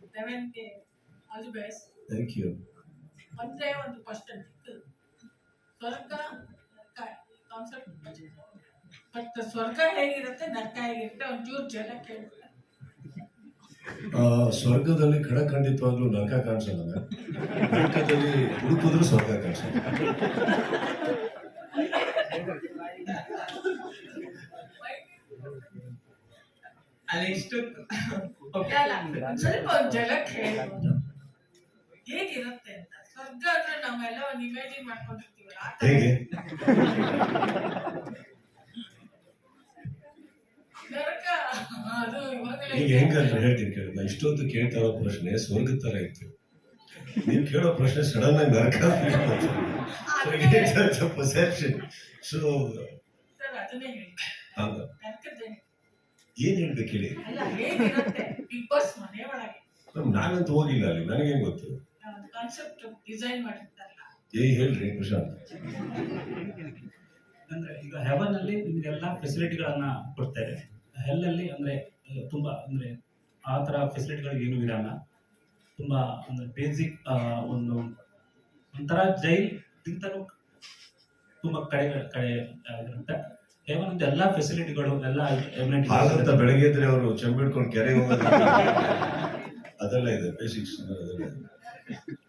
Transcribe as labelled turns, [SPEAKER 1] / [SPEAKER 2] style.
[SPEAKER 1] ಲೆವೆನ್ಗೆ all the best.
[SPEAKER 2] Thank you.
[SPEAKER 1] ಒಂದೇ ಒಂದು question ಇತ್ತು, ಸ್ವರ್ಗ ಕಾನ್ಸೆಪ್ಟ್, ಬಟ್ ಸ್ವರ್ಗ ಹೇಗಿರುತ್ತೆ ನರಕ ಹೇಗಿರುತ್ತೆ ಒಂಚೂರು ಜನ ಕೇಳಿದ್ರೆ.
[SPEAKER 2] ಸ್ವರ್ಗದಲ್ಲಿ ಖಂಡಿತವಾಗ್ಲೂ ನರಕ ಕಾಣಿಸಲ್ಲ, ನರಕದಲ್ಲಿ ಹುಡುಕಿದ್ರು ಸ್ವರ್ಗ ಕಾಣಿಸಲ್ಲ.
[SPEAKER 1] ಅಲ್ಲಿ ಇಷ್ಟು ಸ್ವಲ್ಪ ಒಂದು ಜಲಕ್ಕೆ ಹೇಳ್ಬೋದು ಹೇಗಿರುತ್ತೆ ಅಂತ. ಸ್ವರ್ಗ ಅಂದ್ರೆ ನಾವೆಲ್ಲ ಒಂದು ಇಮೇಜಿನ್ ಮಾಡ್ಕೊಂಡಿರ್ತೀವಲ್ಲ,
[SPEAKER 2] ಹೇಗೆ
[SPEAKER 1] ನರಕ ಅದು
[SPEAKER 2] ಈಗ ಹೆಂಗಂದ್ರೆ ಹೇಳ್ತೀನಿ ಕೇಳಿ. ನಾ ಇಷ್ಟೊಂದು ಕೇಳ್ತಾ ಇರೋ ಪ್ರಶ್ನೆ ಸ್ವರ್ಗದ ತರ ಇತ್ತು, ನೀವು ಕೇಳೋ ಪ್ರಶ್ನೆ ಸಡನ್ ಆಗಿ ನರಕ ಪರ್ಸೆಪ್ಷನ್. ಸೊ
[SPEAKER 1] ಅದನ್ನೇ ಹೇಳಿ,
[SPEAKER 2] ಏನ್ ಹೇಳ್ಬೇಕು ಹೇಳಿ.
[SPEAKER 1] ಅಲ್ಲ ಹೇಗಿರುತ್ತೆ ಬಿಗ್ ಬಾಸ್ ಮನೆ ಒಳಗೆ.
[SPEAKER 2] ನಾನಂತೂ ಹೋಗಿಲ್ಲ ಅಲ್ಲಿ, ನನಗೇನ್ ಗೊತ್ತು.
[SPEAKER 1] ಕಾನ್ಸೆಪ್ಟ್ ಡಿಸೈನ್ ಮಾಡಿರ್ತಾರಲ್ಲ.
[SPEAKER 2] ಹೇಳ್ರಿ ಪ್ರಶಾಂತ್.
[SPEAKER 3] ಅಂದ್ರೆ ಈಗ ಹೆವನ್ ಅಲ್ಲಿ ನಿಮ್ಗೆಲ್ಲ ಫೆಸಿಲಿಟಿಗಳನ್ನ ಕೊಡ್ತಾರೆ, ಹೆಲ್ ಅಲ್ಲಿ ಅಂದ್ರೆ ತುಂಬಾ ಅಂದ್ರೆ ಆ ತರ ಫೆಸಿಲಿಟಿಗಳು ಏನು ಇರಲ್ಲ. ತುಂಬಾ ಅಂದ್ರೆ ಬೇಸಿಕ್ ಒಂದು ಒಂಥರ ಜೈಲ್ ಗಿಂತಲೂ ತುಂಬಾ ಕಡೆ ಇರುತ್ತೆ. ಹೆವನ್ ಅಂತ ಎಲ್ಲಾ ಫೆಸಿಲಿಟಿಗಳು ಎಲ್ಲ
[SPEAKER 2] ಹಾಗಂತ ಬೆಳಗ್ಗೆ ಇದ್ರೆ ಅವರು ಚೆಂಬಿಡ್ಕೊಂಡು ಕೆರೆ ಹೋಗೋದು ಅದೆಲ್ಲ ಇದೆ, ಬೇಸಿಕ್ಸ್ ಅದೆಲ್ಲ ಇದೆ.